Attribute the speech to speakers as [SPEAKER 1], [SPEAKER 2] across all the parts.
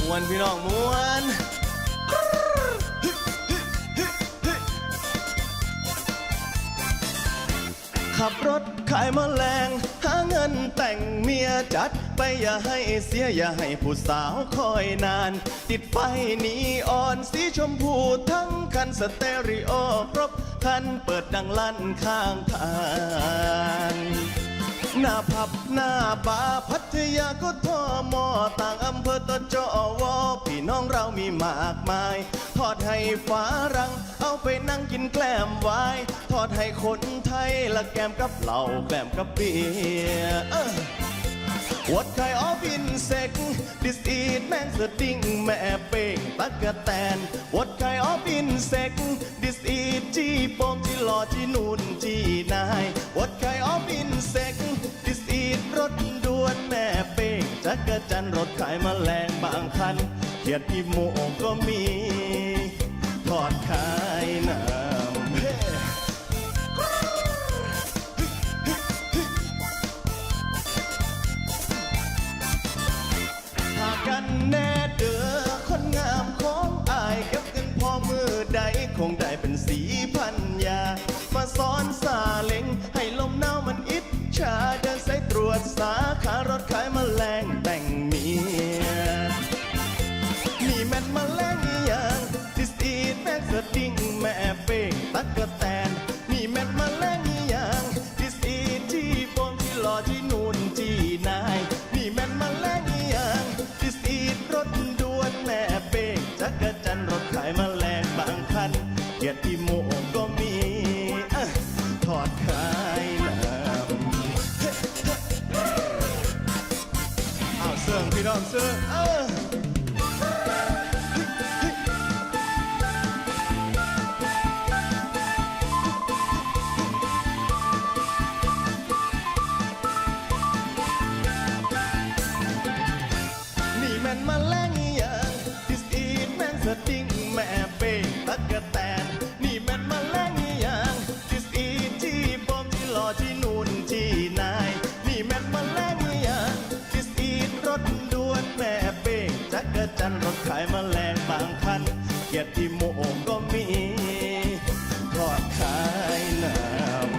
[SPEAKER 1] มวนพี่น้องมวนขับรถขายแมลงหาเงินแต่งเมียจัดไปอย่าให้เสียอย่าให้ผู้สาวคอยนานติดไฟนีออนสีชมพูทั้งคันสเตอริโอครบคันเปิดดังลั่นข้างทางหน้าผับหน้าบาร์พัทยาก็ทอมอต่างอำเภอตะจอวอพี่น้องเรามีมากมายทอดให้ฝารังเอาไปนั่งกินแกล้มไว้ทอดให้คนไทยละแกมกับเหล้าแกล้มกับเบียร์What kind of insect this eat แมงสดิ้งแม่เป้งตั๊กแตน What kind of insect this eat จี้โป่งจี้หล่อจี้นูนจี้นาย What kind of insect this eat รถด่วนแม่เป้งจักรจันรถขายแมลงบางคันเขียดอีโมก็มีทอดขายน้ำกันแน่เด้อคนงามของอายเก็บเงินพอมือใดคงได้เป็นสีพันยามาซ้อนซาเล้งให้ลมหนาวมันอิจฉาเดินสายตรวจสาขารถขายแมลงแต่งเมียนี่แม่นแมลงอย่างดิสอีดแม่สดิ้งแม่เป้งตั๊กแตนนี่แม่นแมลงอย่างดิสอีดจี้โป่งจี้หล่อจี้นูนจี้นายนี่แม่นแมลงอย่างรถด่วนแม่เป้งจักรจันรถขายแมลงบางคันเกียรติโมก็มีทอดขายน้ำเอาเสื่องพี่น้องเสื่องแม่นมาแรงอย่างดิสอีดแม่งสดิ้งแม่เป้งตั๊กแตนนี่แม่นมาแรงอย่างดิสอีดจี้โป่งจี้หล่อจี้นูนจี้นายนี่แม่นมาแรงอย่างดิสอีดรถด่วนแม่เป้งจักรจันรถขายแมลงบางคันเกียรติโมก็มีทอดขายน้ำ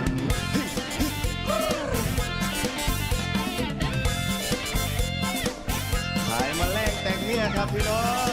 [SPEAKER 1] ครับพี่น้อง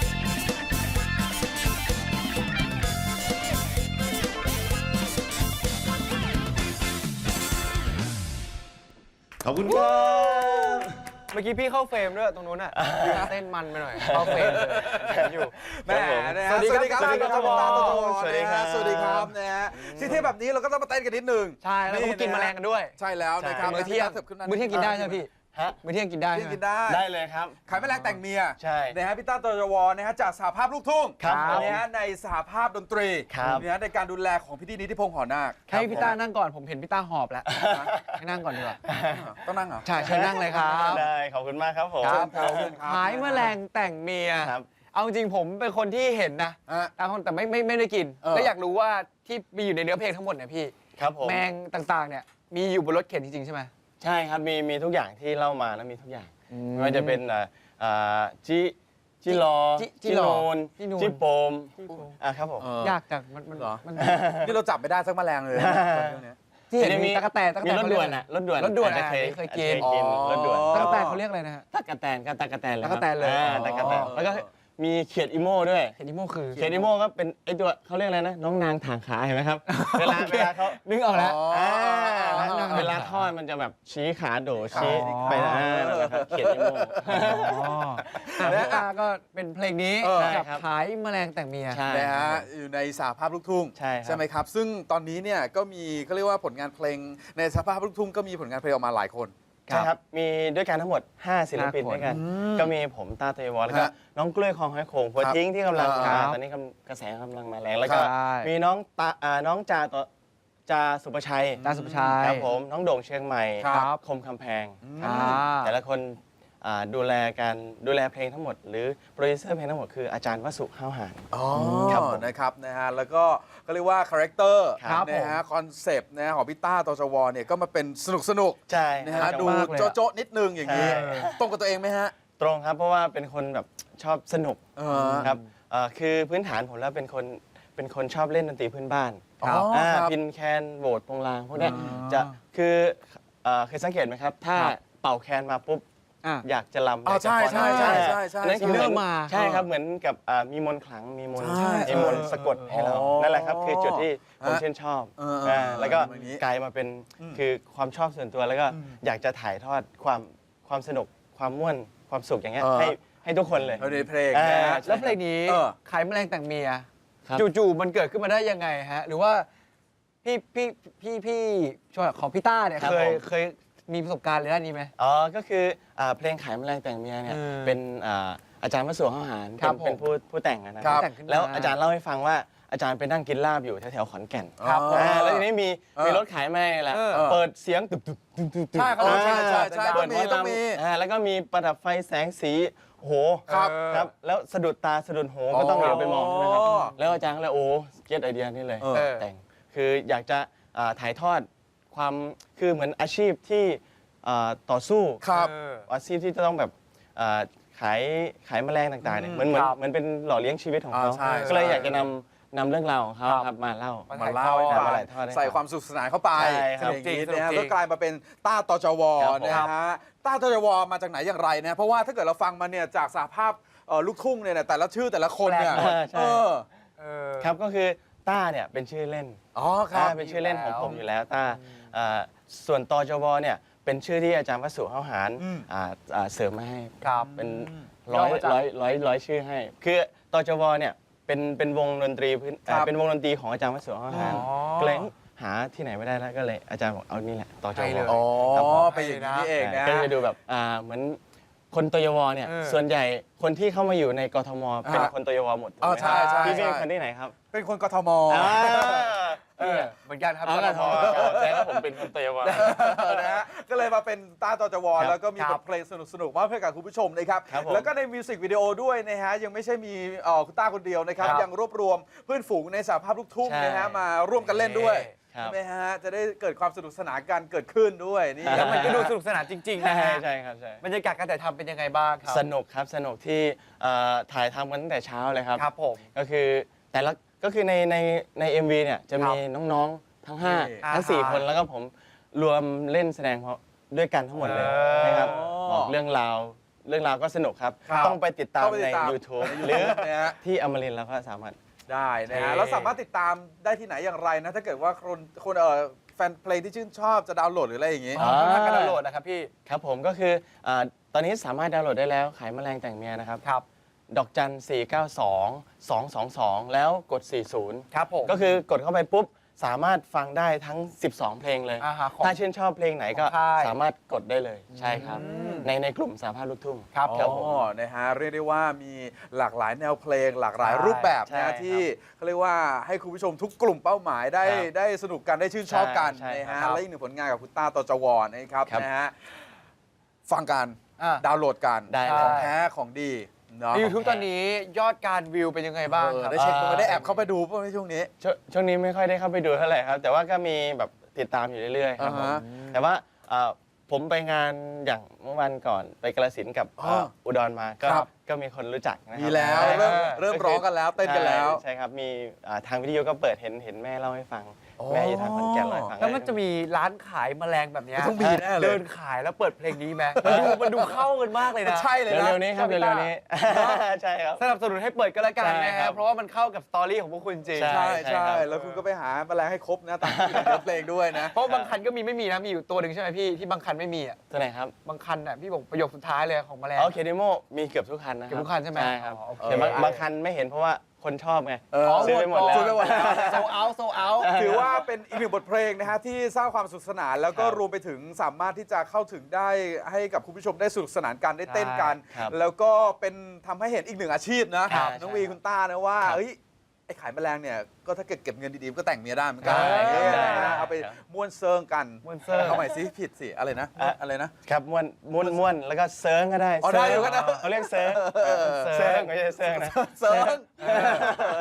[SPEAKER 1] ขอบคุณครับ
[SPEAKER 2] เมื่อกี้พี่เข้าเฟรมด้วยตรงนู้นอ่ะเต้นมันไปหน่อยเข้าเฟรมอยู่
[SPEAKER 3] แม่สวัสดีครับสวัสดีครับสวัสดีครับสวัสดีครับนะฮะที่เที่ยวแบบนี้เราก็ต้องมาเต้นกันนิดนึง
[SPEAKER 2] ใช่แล้วก็กินแมลงกันด้วย
[SPEAKER 3] ใช่แล้วนะครับ
[SPEAKER 2] มื้อเที่ยงกินได้ใช่ไหมพี่มื้อเที่ยงกินได้
[SPEAKER 1] ได้เลยครับ
[SPEAKER 3] ขายแมลงแต่งเมีย
[SPEAKER 1] ใช่
[SPEAKER 3] นะฮะพี่ต้าตจวนะฮะจากสหภาพลูกทุ่งนะฮะในสหภาพดนตรีนะฮะในการดูแลของพี่นิติพงษ์หอนาค
[SPEAKER 2] ให้พี่ต้านั่งก่อนผมเห็นพี่ต้าหอบแล้วให้นั่งก่อนดีกว่า
[SPEAKER 3] ต้องนั่งเหรอ
[SPEAKER 2] ใช่เชิญนั่งเลยครับ
[SPEAKER 1] ได้ขอบคุณมากครับผม
[SPEAKER 2] ขายแมลงแต่งเมียเอาจริงผมเป็นคนที่เห็นนะแต่ไม่ได้กินแล้วอยากรู้ว่าที่มีอยู่ในเนื้อเพลงทั้งหมดเนี่ยพี่แมงต่างๆเนี่ยมีอยู่บนรถเข็นจริงๆใช่ไหม
[SPEAKER 1] ใช่ครับมีทุกอย่างที่เล่ามาแล้วมีทุกอย่างไม่ว่าจะเป็นจิรอจิโนนจิโปมครับผม
[SPEAKER 2] ยากจังมัน
[SPEAKER 3] เหรอนี่เราจับไม่ได้สักแมลงเลย
[SPEAKER 2] ที่เห็นมีตะกแตน
[SPEAKER 1] มีรถด่วนรถด่วน
[SPEAKER 2] เคยกิน
[SPEAKER 1] รถด่วน
[SPEAKER 2] ตะกแตนเขาเรียกอะไรนะฮะ
[SPEAKER 1] ตะกแตนเลยตะกแตน
[SPEAKER 2] เลย
[SPEAKER 1] ตะกแตนแล้วก็มีเขียดอีโม่ด้วย
[SPEAKER 2] เขียดอีโม่คือ
[SPEAKER 1] เขียดอีโม่ก็เป็นไอตัวเขาเรียกอะไรนะน้องนางถางขาเห็นไหมครับเวลาเขา
[SPEAKER 2] นึกออกแล้ว
[SPEAKER 1] เวลาทอดมันจะแบบชี้ขาโดชี้ไปเขียดอีโม่
[SPEAKER 2] แล้วก็เป็นเพลงนี้กับขายแมลงแต่งเมีย
[SPEAKER 3] นะฮะอยู่ในสหภาพลูกทุ่งใช่ไหมครับซึ่งตอนนี้เนี่ยก็มีเขาเรียกว่าผลงานเพลงในสหภาพลูกทุ่งก็มีผลงานเพลงออกมาหลายคน
[SPEAKER 1] ใช่ครับมีด้วยกันทั้งหมด5ศิลปินด้วยกันก็มีผมต้าเตยวอแล้วก็น้องกล้วยคองหอยโข่งหัวทิ้งที่กำลังมาตอนนี้กระแสกำลังมาแรงแล้วก็มีน้องจาสุภชัยครับผมน้องโด่งเชียงใหม่คมคำแพงแต่ละคนดูแลเพลงทั้งหมดหรือโปรดิวเซอร์เพลงทั้งหมดคืออาจารย์วสุห้าวหาน
[SPEAKER 3] นะครับนะฮะแล้วก็เรียกว่าคาแรคเตอร์นะฮะคอนเซปต์นะของพี่ต้าตจวเนี่ยก็มาเป็นสนุก
[SPEAKER 1] ใช่
[SPEAKER 3] นะฮะดูโจ๊ะนิดนึงอย่างนี้ตรงกับตัวเองไหมฮะ
[SPEAKER 1] ตรงครับเพราะว่าเป็นคนแบบชอบสนุกครับคือพื้นฐานผมแล้วเป็นคนชอบเล่นดนตรีพื้นบ้าน
[SPEAKER 3] ครับ
[SPEAKER 1] พินแคนโบสโปงลางพวกเนี้ยจะคือเคยสังเกตไหมครับ ถ้าเป่าแคนมาปุ๊บอยากจะรำ
[SPEAKER 3] ใช่ใช่ใช่ใช่ใช่
[SPEAKER 1] นั่นคือเหมือน
[SPEAKER 2] เริ่มมา
[SPEAKER 1] ใช่ครับเหมือนกับมีมนต์ขลังมีมนต์
[SPEAKER 3] ใช่
[SPEAKER 1] มีมนต์สะกดให้เรานั่นแหละครับคือจุดที่ผมชื่นชอบแล้วก็
[SPEAKER 3] อย่างนี้
[SPEAKER 1] กลายมาเป็นคือความชอบส่วนตัวแล้วก็อยากจะถ่ายทอดความสนุกความม่วนความสุขอย่างเงี้ยให้ทุกคนเลย
[SPEAKER 3] เอาในเพลง
[SPEAKER 1] อ่า
[SPEAKER 3] นะ
[SPEAKER 2] แล้วเพลงนี้ขายแมลงแต่งเมีย
[SPEAKER 1] ครับ
[SPEAKER 2] จู่ๆมันเกิดขึ้นมาได้ยังไงฮะ หรือว่าพี่ช่วยของพี่ต้าเนี่ย
[SPEAKER 1] ครับ
[SPEAKER 2] เคยมีประสบการณ์ในด้านนี้ไหม
[SPEAKER 1] อ๋อก็คือเพลงขายแมลงแต่งเมียเนี่ยเป็นอาจารย์วสุข้าวหาร
[SPEAKER 2] ครับ
[SPEAKER 1] เป็นผู้แต่งนะค
[SPEAKER 3] ครั
[SPEAKER 1] รับ
[SPEAKER 3] บ
[SPEAKER 2] แต่งขึ้นมา
[SPEAKER 1] แล้วอาจารย์เล่าให้ฟังว่าอาจารย์ไปนั่งกินลาบอยู่แถวๆขอนแก่น
[SPEAKER 3] ครับ
[SPEAKER 1] แล้วทีนี้มีรถขายแม่แหละ เปิดเสียงตึบตึบตึบตึบตึบ
[SPEAKER 2] ใช่เขา
[SPEAKER 3] ใช่ใช่ใช่
[SPEAKER 1] เปิด
[SPEAKER 3] ต้องมี
[SPEAKER 1] แล้วก็มีประดับไฟแสงสีโอ้โห
[SPEAKER 3] ครับ
[SPEAKER 1] ครับแล้วสะดุดตาสะดุดหูก็ต้องเหลียวไปมองใช่ไหมครับ
[SPEAKER 3] อ๋อ
[SPEAKER 1] แล้วอาจารย์ก็เลยโอ้เก็ตไอเดียนี่เลย แต่งคืออยากจะถ่ายทอดความคือเหมือนอาชีพที่ต่อสู้
[SPEAKER 3] ครับ
[SPEAKER 1] อาชีพที่จะต้องแบบขายแมลงต่างๆเนี่ยเหมือนเป็นหล่อเลี้ยงชีวิตของเขา
[SPEAKER 3] ใช่
[SPEAKER 1] ก็เลยอยากจะนำเรื่องราวของเขาครับมาเล่า
[SPEAKER 3] มาเล่าให้ฟัง
[SPEAKER 1] มาถ่ายทอดให้ฟัง
[SPEAKER 3] ใส่ความสนุขสนานเข้าไป
[SPEAKER 1] ใช่ครับ
[SPEAKER 3] อย่างนี้
[SPEAKER 2] สนุกจริง
[SPEAKER 3] นะฮะ
[SPEAKER 2] สนุกจริง
[SPEAKER 3] ก็กลายมาเป็นต้าตจว
[SPEAKER 1] ครับผม
[SPEAKER 3] นะฮะต้าตจวมาจากไหนอย่างไรนะเพราะว่าถ้าเกิดเราฟังมาเนี่ยจากสหภาพลูกทุ่งเนี่ยแต่ละชื่อแต่ละคนเนี่ย
[SPEAKER 1] แปลกมากใช่
[SPEAKER 3] อ
[SPEAKER 1] ครับก็คือต้าเนี่ยเป็นชื่อเล่น
[SPEAKER 3] อ๋อครับ
[SPEAKER 1] เป็นชื่อเล่นของผมอยู่แล้วต้าส่วนตจวเนี่ยเป็นชื่อที่อาจารย์วสุข้าวหารเสริมมาให้
[SPEAKER 2] ครับ
[SPEAKER 1] เป็น
[SPEAKER 2] ย่อมาจาก
[SPEAKER 1] ร้อยชื่อให้ คือตจวเนี่ยเป็นวงดนตรีเป็นวงดนตรีของอาจารย์วสุข้าวหารก็เลยหาที่ไหนไม่ได้แล้วก็เลยอาจารย์บอกเอานี่แหละตจ
[SPEAKER 2] ใช่
[SPEAKER 1] ว
[SPEAKER 2] เลย
[SPEAKER 3] อ๋อ
[SPEAKER 1] ครับผม
[SPEAKER 3] ไปอย่างนี้นี่เองนะ
[SPEAKER 1] ก็จะดูแบบเหมือนคนตยวเนี่ย ส่วนใหญ่คนที่เข้ามาอยู่ในกทมเป็นคนตยวหมดถูก
[SPEAKER 3] อ๋อ
[SPEAKER 1] ไหม
[SPEAKER 3] ใช่
[SPEAKER 1] ครับ
[SPEAKER 3] ใช่
[SPEAKER 1] พี่เป็น
[SPEAKER 3] ใช่
[SPEAKER 1] คนที่ไหนครับ
[SPEAKER 3] เป็นคนกทม
[SPEAKER 2] เหมือนกันครับ
[SPEAKER 1] เอาละทอแต่ว่าผมเป็นคนตยวะ
[SPEAKER 3] นะฮะก็เลยมาเป็นต้าตจว
[SPEAKER 1] ครับ
[SPEAKER 3] แล้วก็มี
[SPEAKER 2] ครับ
[SPEAKER 3] บทเพลงสนุกๆมอบให้กับคุณผู้ชมนะครับ
[SPEAKER 1] ครับผม
[SPEAKER 3] แล้วก็ในมิวสิกวิดีโอด้วยนะฮะยังไม่ใช่มีคุณต้าคนเดียวนะครับ
[SPEAKER 1] ครับ
[SPEAKER 3] ยังรวบรวมเพื่อนฝูงในสหภาพลูกทุ่ง
[SPEAKER 1] ใช่
[SPEAKER 3] นะฮะมาร่วมกันเล่นด้วย
[SPEAKER 1] ครับ
[SPEAKER 3] ใช่ไหมฮะจะได้เกิดความสนุกสนานกันเกิดขึ้นด้วยนี่
[SPEAKER 2] แล้วมันก็ดูสนุกสนานจริงๆนะ
[SPEAKER 1] ใช่
[SPEAKER 2] ฮะ
[SPEAKER 1] ใช่ครับใช่
[SPEAKER 2] บรรยากาศการถ่ายทำเป็นยังไงบ้างครับ
[SPEAKER 1] สนุกครับสนุกที่ถ่ายทำกันตั้งแต่เช้าเลยครับ
[SPEAKER 2] ครับผม
[SPEAKER 1] ก็คือก็คือใน MV เนี่ยจะมีน้องๆทั้ง
[SPEAKER 3] นี่
[SPEAKER 1] 5 ทั้ง 4 คนแล้วก็ผมรวมเล่นแสดงด้วยกันทั้งหมดเลยนะครับบอกเรื่องราวก็สนุกครับ
[SPEAKER 3] ครับ
[SPEAKER 1] ต้องไปติดตาม
[SPEAKER 3] เข้าไปติ
[SPEAKER 1] ใน
[SPEAKER 3] ดตาม
[SPEAKER 1] YouTube หรือ
[SPEAKER 3] นะฮะ
[SPEAKER 1] ที่อมรินทร์แล้วก็สามารถ
[SPEAKER 3] ได้นะฮะ
[SPEAKER 2] โอเค
[SPEAKER 3] แล้วสามารถติดตามได้ที่ไหนอย่างไรนะถ้าเกิดว่าคนแฟนเพลงที่ชื่นชอบจะดาวน์โหลดหรืออะไรอย่างงี้
[SPEAKER 2] ช่องทางการดาวน์โหลดนะครับพี่
[SPEAKER 1] ครับผมก็คือตอนนี้สามารถดาวน์โหลดได้แล้วขายแมลงแต่งเมียนะครับ
[SPEAKER 2] ครับ
[SPEAKER 1] ดอกจัน 492 222 แล้วกด 40
[SPEAKER 2] ครับผม
[SPEAKER 1] ก็คือกดเข้าไปปุ๊บ สามารถฟังได้ทั้ง 12 เพลงเลย
[SPEAKER 2] ของ
[SPEAKER 1] ถ้าชื่นชอบเพลงไหนก็
[SPEAKER 2] ของค่าย
[SPEAKER 1] สามารถกดได้เลย ใช่ครับ ในกลุ่มสาภาพลูกทุ่ง
[SPEAKER 2] ครับ
[SPEAKER 1] ครับผม
[SPEAKER 3] นะฮะเรียกได้ว่ามีหลากหลายแนวเพลง หลากหลายรูปแบบ
[SPEAKER 1] ใช่
[SPEAKER 3] นะที่เขาเรียกว่าให้คุณผู้ชมทุกกลุ่มเป้าหมายได้
[SPEAKER 1] ครับ
[SPEAKER 3] ได้สนุกกันได้ชื่นชอบกัน
[SPEAKER 1] ใช่
[SPEAKER 3] นะ
[SPEAKER 1] ครั
[SPEAKER 3] ฮะ
[SPEAKER 1] บ
[SPEAKER 3] และอีกหนึ่งผลงานกับคุณต้าตจวนะครับ
[SPEAKER 1] ครับ
[SPEAKER 3] นะฮะฟังกัน
[SPEAKER 2] อ่ะ
[SPEAKER 3] ดาวน์โหลดกัน
[SPEAKER 1] ได้
[SPEAKER 3] ของ
[SPEAKER 1] เลย
[SPEAKER 3] แท้ของดีเนาะ
[SPEAKER 2] ใน YouTube ตอนนี้ยอดการวิวเป็นยังไงบ้างครับ
[SPEAKER 3] ได้เช็คตัวได้แอบเข้าไปดูป่ะในช่วงนี้
[SPEAKER 1] ช่วงนี้ไม่ค่อยได้เข้าไปดูเท่าไหร่ครับ แต่ว่าก็มีแบบติดตามอยู่เรื่อยๆครับผม
[SPEAKER 3] อ่าฮะ
[SPEAKER 1] แต่ว่าผมไปงานอย่างเมื่อวันก่อนไปกาฬสินธุ์กับ
[SPEAKER 3] อ๋อ
[SPEAKER 1] อุดรมาก็
[SPEAKER 3] ครับ
[SPEAKER 1] ก็มีคนรู้จักนะครับ
[SPEAKER 3] มีแล้ว
[SPEAKER 1] ใช่
[SPEAKER 3] เริ่มร้องกันแล้วเต้นกันแล้ว
[SPEAKER 1] ใช่ครับมีทางวิทยุก็เปิดเห็นแม่เล่าให้ฟัง แม่อยู่ทางขอนแก่นเล่าให้ฟัง
[SPEAKER 2] แล้วมันจะมีร้านขายแมลงแบบเนี้ย
[SPEAKER 3] ต้องมีแน่เลย
[SPEAKER 2] เดินขายแล้วเปิดเพลงนี้ไหมมันดูเข้ากันมากเลยนะ
[SPEAKER 3] ใช่เลยนะ
[SPEAKER 1] เร็วๆนี้ครับเร็วๆนี้ ใช่ครับ
[SPEAKER 2] สนับสนุนให้เปิดก็แล้วกัน
[SPEAKER 1] ใช่
[SPEAKER 2] นะ
[SPEAKER 1] ครั
[SPEAKER 2] ฮะ
[SPEAKER 1] บ
[SPEAKER 2] เพราะว่ามันเข้ากับสตอรี่ของพวกคุณจริง
[SPEAKER 1] ใช่
[SPEAKER 3] ใช่
[SPEAKER 1] ครับ
[SPEAKER 3] แล้วคุณก็ไปหาแมลงให้ครบนะตามที่อยู่ในเนื้อเพลงด้วยนะ
[SPEAKER 2] เพราะบางคันก็มีไม่มีนะมีอยู่ตัวหนึ่งใช่ไหมพี่ที่บางคันไม่มีอ่ะ
[SPEAKER 1] ตัวไหนครับ
[SPEAKER 2] บางคันน่ะพี่บอกประโยคสุดท้ายเลยของแมลง
[SPEAKER 1] อ๋อเคเดโมมีเกือบทุกคันนะครั
[SPEAKER 2] เกือบทุกคันใช่ไหม
[SPEAKER 1] ใช่ครับ
[SPEAKER 2] อ๋อโอเค
[SPEAKER 1] แต่บางคันไม่เห็นเพราะว่าคนชอบไง
[SPEAKER 3] อ๋อ
[SPEAKER 1] ซื้อไปหมดแล้ว
[SPEAKER 3] ซื้อไปหมดแล้ว
[SPEAKER 2] โซเอาโซเอา
[SPEAKER 3] ถือว่าเป็นอีกหนึ่งบทเพลงนะฮะที่สร้างความสนุกสนานแล้วก็
[SPEAKER 1] ครับ
[SPEAKER 3] รวมไปถึงสามารถที่จะเข้าถึงได้ให้กับคุณผู้ชมได้สนุกสนานกันได้เต้นกัน
[SPEAKER 1] ครับ
[SPEAKER 3] แล้วก็เป็นทำให้เห็นอีกหนึ่งอาชีพนะครับ น้องวี
[SPEAKER 1] ใช่
[SPEAKER 3] คุณต้านะว่า
[SPEAKER 1] ครับ
[SPEAKER 3] เอ้ยไอ้ขายแมลงเนี่ยก็ถ้าเกิดเก็บเงินดีๆก็แต่งเมียได้เหมือนกัน
[SPEAKER 1] ใช่ครับ
[SPEAKER 3] เนี่ยนะ
[SPEAKER 1] ได้
[SPEAKER 3] ฮะเอาไป
[SPEAKER 1] ครับ
[SPEAKER 3] ม้วนเซิงกัน
[SPEAKER 2] ม้วนเซิง
[SPEAKER 3] เอาใหม่สิผิดสิอะไรนะอะไรนะ
[SPEAKER 1] ครับม้วนแล้วก็เซิร์งก็ได้
[SPEAKER 3] อ๋อได้อยู่ก็ได้
[SPEAKER 1] เขาเรียกเซิร์งเซิร์งไม่ใช่เซิร์งนะ
[SPEAKER 3] เซิงนะฮะอ่ะ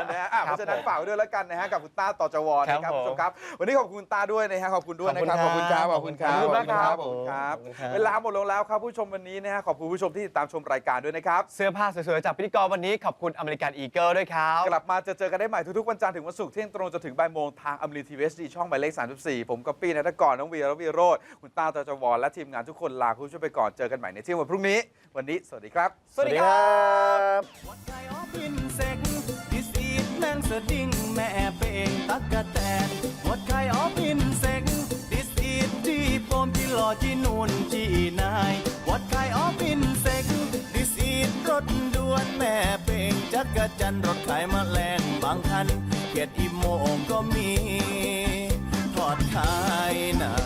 [SPEAKER 3] เพราะฉะนั้นฝากไว้ด้วยแล้วกันนะฮะกับคุณต้าต่อจวนะครับคุณผู้ชมครับวันนี้ขอบคุณต้าด้วยนะฮะขอบคุณด้วยนะครับขอบคุณครับขอบคุณครับ
[SPEAKER 2] ขอบคุณมากครับ
[SPEAKER 3] ครับเวลาหมดลงแล้วครับผู้ชมวันนี้นะฮะขอบคุณผู้ชมที่ติดตามชมรายการด้วยนะครับ
[SPEAKER 2] เสื้อผ้าสวยๆจากพิธีกรวันนี้ขอบคุณอเมริกันอีเกิลด้วยครับ
[SPEAKER 3] กลับมาเจอกันได้ใหม่ทุกๆวันจันทร์ถึงวันศุกร์เที่ยงตรงจนถึงบ่ายโมงทางอมรินทีวีช่องหมายเลข 34 ผมก๊อปปี้นัทกรน้องวีระวีโรจน์คุณต้าตจวและทีมงานทุกคนลาคุณผู้ชมไปก่อนเจอกันใหม่ในเที่ยงวันพรุ่งนี้วันนี้สวัสดีครับ
[SPEAKER 2] สวัสดีครับ
[SPEAKER 1] วัดไก่ออฟฟินเซ็กดิสอีทแมงสดิ้งแม่เป่งตักกะแตนวัดไก่ออฟฟินเซ็กดิสอีทที่โปมที่หล่อที่นูนที่นายวัดไก่ออฟฟินเซ็กดิสอีทรถด่วนแม่เป่งจักรจันทร์รถขายแมลงบางคันเกียรติอีโมงก็มีทอดขายหนา